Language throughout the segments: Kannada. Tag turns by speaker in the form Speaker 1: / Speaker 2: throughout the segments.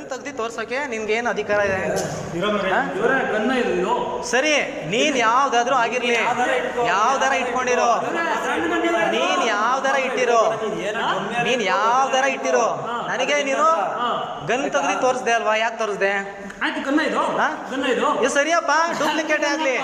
Speaker 1: ಗನ್ ತೆಗ್ದು ತೋರ್ಸೋಕೆ ನಿನ್ಗೆ ಏನು ಅಧಿಕಾರ ಇದೆ? ಸರಿ, ನೀನ್ ಯಾವ್ದಾದ್ರೂ ಆಗಿರ್ಲಿ, ಯಾವ್ದಾರ ಇಟ್ಕೊಂಡಿರೋ, ನೀನ್ ಯಾವ್ದಾರ ಇಟ್ಟಿರೋ, ನನಗೆ ನೀನು ಗನ್ ತೆಗ್ದು ತೋರಿಸ್ದೆ ಅಲ್ವಾ? ಯಾಕೆ ತೋರಿಸ್ದೆ? ಇದು ಸರಿಯಪ್ಪ, ಡೂಪ್ಲಿಕೇಟ್ ಆಗ್ಲಿ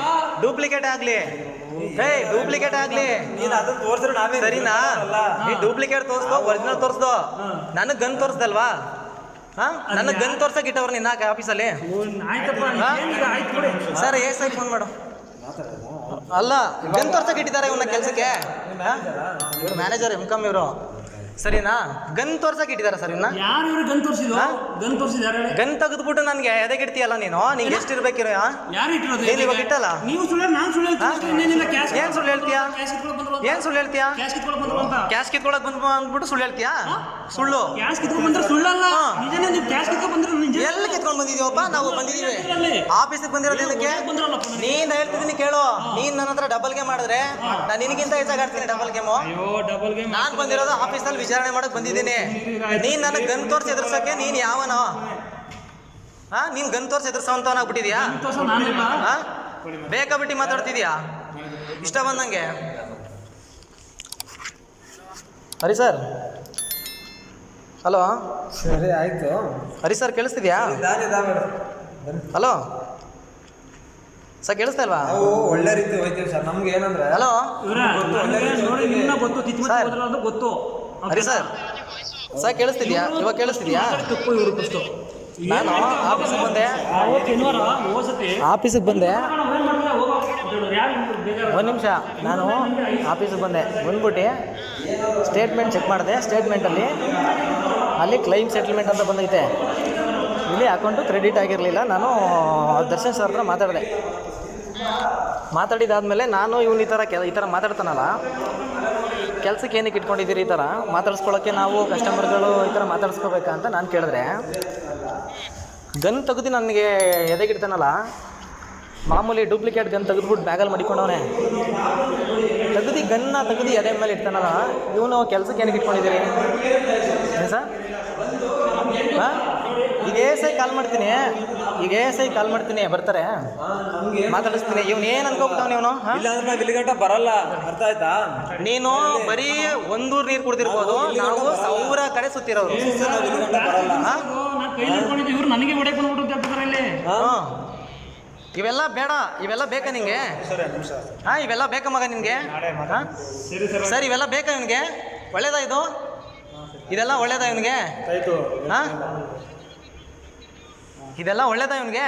Speaker 1: ಸರಿನಾ? ನೀ ಡೂಪ್ಲಿಕೇಟ್ ತೋರಿಸ್ದೋ ಒರಿಜಿನಲ್ ತೋರಿಸ್ದೋ, ನನಗೆ ಗನ್ ತೋರಿಸ್ದಲ್ವಾ? ನನಗೆ ಗನ್ ತೋರ್ಸಕ್ ಇಟ್ಟವ್ರು ನಿನ್ನ ಆಫೀಸಲ್ಲಿ. ಸರ್ ಎಸ್ ಐ ಫೋನ್ ಮಾಡು. ಅಲ್ಲ, ಗನ್ ತೋರ್ಸಕ್ ಇಟ್ಟಿದ್ದಾರೆ ಇವನ್ನ ಕೆಲಸಕ್ಕೆ. ಇವ್ರು ಮ್ಯಾನೇಜರ್ ಎಂ.ಕಾಮ್ ಇವರು, ಸರಿನಾ? ಗನ್ ತೋರ್ಸಕ್ ಇಟ್ಟಿದ್ದಾರೆ ಸರ್ ಇವನ್ನ. ಗನ್ ತೆಗೆದ್ಬಿಟ್ಟು ನನ್ಗೆ ಎದೆಗೆ ಇಡ್ತೀಯಲ್ಲ ನೀನು? ನಿಂಗೆ ಎಷ್ಟು ಇರ್ಬೇಕಿರೋ? ನೀನು ಇವಾಗ ಇಟ್ಟಲ್ಲ. ಏನ್ ಸುಳ್ಳು ಹೇಳ್ತೀಯಾ? ಕ್ಯಾಶ್ ಕಿತ್ಕೊಳಕ್ ಬಂದ್ಬಿಟ್ಟು ಸುಳ್ಳು ಹೇಳ್ತೀಯಾ? ಸುಳ್ಳು ಎಲ್ಲಿ ಕಿತ್ಕೊಂಡು ಬಂದಿದೀವಪ್ಪ? ನಾವು ಬಂದಿದೀವಿ ಆಫೀಸಿಗೆ ಬಂದಿರೋದು ಏನಕ್ಕೆ? ನೀನ್ ಹೇಳ್ತಿದ್ದೀನಿ ಕೇಳು. ನೀನ್ ನನ್ನ ಹತ್ರ ಡಬಲ್ ಗೇಮ್ ಮಾಡಿದ್ರೆ ನಾನು ನಿನಗಿಂತ ಹೆಚ್ಚಾಗಿ ಆಡ್ತೀನಿ ಡಬಲ್ ಗೇಮು. ನಾನ್ ಬಂದಿರೋದು ಆಫೀಸಲ್ಲಿ ವಿಚಾರಣೆ ಮಾಡಕ್ ಬಂದಿದ್ದೀನಿ. ನೀನ್ ನನಗೆ ಗನ್ ತೋರ್ಸಿ ಎದುರ್ಸಕ್ಕೆ ನೀನ್ ಯಾವನೋ? ನೀನ್ ಗನ್ ತೋರ್ಸಿ ಎದುರ್ಸೋಂತವನಾಗ್ಬಿಟ್ಟಿದ್ಯಾ? ಬೇಕಾಬಿಟ್ಟಿ ಮಾತಾಡ್ತಿದ್ಯಾ ಇಷ್ಟ ಬಂದಂಗೆ? Hari sir, hello.
Speaker 2: ಸರಿ ಆಯ್ತು.
Speaker 1: ಹರಿ ಸರ್ ಕೇಳಿಸ್ತಿದ್ಯಾ? ಹಲೋ ಸರ್, ಕೇಳಿಸ್ತಾ ಇಲ್ವಾ?
Speaker 2: ಒಳ್ಳೆ ರೀತಿ ಹೋಯ್ತೀವಿ ಸರ್. ನಮ್ಗೆ ಏನಂದ್ರೆ
Speaker 1: ಹಲೋ ಹರಿ ಸರ್, ಸರ್ ಕೇಳಿಸ್ತಿದ್ಯಾ? ಇವಾಗ ಕೇಳಿಸ್ತಿದ್ಯಾ? ನಾನು ಆಫೀಸಿಗೆ ಬಂದೆ ಒಂದು ನಿಮಿಷ. ನಾನು ಆಫೀಸಿಗೆ ಬಂದ್ಬಿಟ್ಟು ಸ್ಟೇಟ್ಮೆಂಟ್ ಚೆಕ್ ಮಾಡಿದೆ. ಸ್ಟೇಟ್ಮೆಂಟಲ್ಲಿ ಅಲ್ಲಿ ಕ್ಲೈಮ್ ಸೆಟಲ್ಮೆಂಟ್ ಅಂತ ಬಂದೈತೆ. ಇಲ್ಲಿ ಅಕೌಂಟು ಕ್ರೆಡಿಟ್ ಆಗಿರಲಿಲ್ಲ. ನಾನು ದರ್ಶನ್ ಸರ್ ಹತ್ರ ಮಾತಾಡಿದಾದ್ಮೇಲೆ ನಾನು ಇವನು ಈ ಥರ ಮಾತಾಡ್ತಾನಲ್ಲ, ಕೆಲಸಕ್ಕೆ ಏನಕ್ಕೆ ಇಟ್ಕೊಂಡಿದ್ದೀರಿ? ಈ ಥರ ಮಾತಾಡಿಸ್ಕೊಳ್ಳೋಕ್ಕೆ ನಾವು ಕಸ್ಟಮರ್ಗಳು ಈ ಥರ ಮಾತಾಡಿಸ್ಕೋಬೇಕಾ ಅಂತ ನಾನು ಕೇಳಿದ್ರೆ, ಗನ್ ತೆಗೆದು ನನಗೆ ಎದೆಗಿಡ್ತಾನಲ್ಲ, ಮಾಮೂಲಿ ಡೂಪ್ಲಿಕೇಟ್ ಗನ್ ತೆಗೆದ್ಬಿಟ್ಟು ಬ್ಯಾಗಲ್ಲಿ ಮಡಿಕೊಂಡವನೇ, ಗನ್ನ ತೆಗೆದು ಎದೆ ಮೇಲೆ ಇಡ್ತಾನಲ್ಲ, ಇವನು ಕೆಲಸಕ್ಕೆ ಏನಕ್ಕೆ ಇಟ್ಕೊಂಡಿದ್ದೀರಿ ಸರ್? ಈಗ ಎಸ್ ಐ ಕಾಲ್ ಮಾಡ್ತೀನಿ, ಬರ್ತಾರೆ, ಮಾತಾಡಿಸ್ತೀನಿ. ಇವನು ಏನು ಅನ್ಕೋಬಿಟ್ಟವನು ಇವನು?
Speaker 2: ಇಲ್ಲಿಗಂಟ ಬರಲ್ಲ, ಅರ್ಥ ಆಯ್ತಾ?
Speaker 1: ನೀನು ಬರೀ ಒಂದೂರು ನೀರು ಕುಡ್ದಿರ್ಬೋದು, ನಾವು 1000 ಕಡೆ ಸುತ್ತಿರೋರು. ಇವೆಲ್ಲ ಬೇಡ, ಇವೆಲ್ಲ ಬೇಕಾ ನಿಂಗೆ? ಇವೆಲ್ಲ ಬೇಕಾ ಮಗ ನಿನ್ಗೆ? ಸರ್, ಇವೆಲ್ಲ ಬೇಕಾ ಇವನಿಗೆ? ಒಳ್ಳೇದಾ ಇದು? ಇದೆಲ್ಲ ಒಳ್ಳೇದಾ ಇವನಿಗೆ? ಇದೆಲ್ಲ ಒಳ್ಳೇದಾ ಇವನಿಗೆ?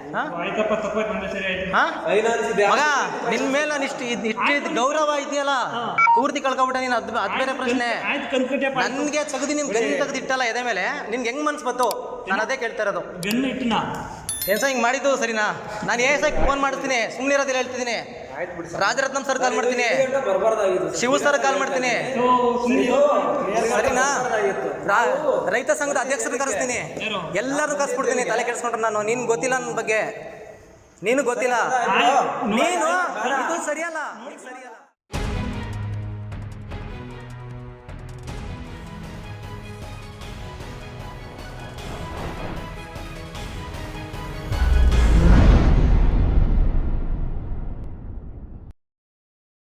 Speaker 1: ಮಗ, ನಿನ್ ಮೇಲೆ ನಾನು ಇಷ್ಟು ಗೌರವ ಇದೆಯಲ್ಲ, ಪೂರ್ತಿ ಕಳ್ಕೊಬಿಟ್ಟ ನೀನು. ಅದು ಬೇರೆ ಪ್ರಶ್ನೆ. ನನ್ಗೆ ತೆಗ್ದು ನಿನ್ ಗನ್ ತೆಗ್ದಿಟ್ಟಲ್ಲ ಎದೆ ಮೇಲೆ, ನಿನ್ಗೆ ಹೆಂಗ್ ಮನ್ಸು ಬತ್ತು? ನಾನು ಅದೇ ಕೇಳ್ತಾ ಇರೋದು. ಏನ್ ಸರ್ ಹಿಂಗೆ ಮಾಡಿದ್ದು ಸರಿನಾ? ನಾನು ಏಸಕ್ಕೆ ಫೋನ್ ಮಾಡ್ತೀನಿ, ಸುಮ್ಮನೆ ಇರೋದಿಲ್ಲ ಹೇಳ್ತಿದ್ದೀನಿ. ರಾಜರತ್ನಂ ಸರ್ ಕಾಲ್ ಮಾಡ್ತೀನಿ, ಶಿವ ಸರ್ ಕಾಲ್ ಮಾಡ್ತೀನಿ, ಸರಿನಾ? ರೈತ ಸಂಘದ ಅಧ್ಯಕ್ಷರನ್ನ ಕರೆಸ್ತೀನಿ, ಎಲ್ಲರೂ ಕರೆಸ್ಬಿಡ್ತೀನಿ. ತಲೆ ಕೆಡಿಸ್ಕೊಂಡ್ರೆ ನಾನು, ನೀನು ಗೊತ್ತಿಲ್ಲ ನನ್ನ ಬಗ್ಗೆ, ನೀನು ಗೊತ್ತಿಲ್ಲ, ನೀನು ಇದು ಸರಿಯಲ್ಲ.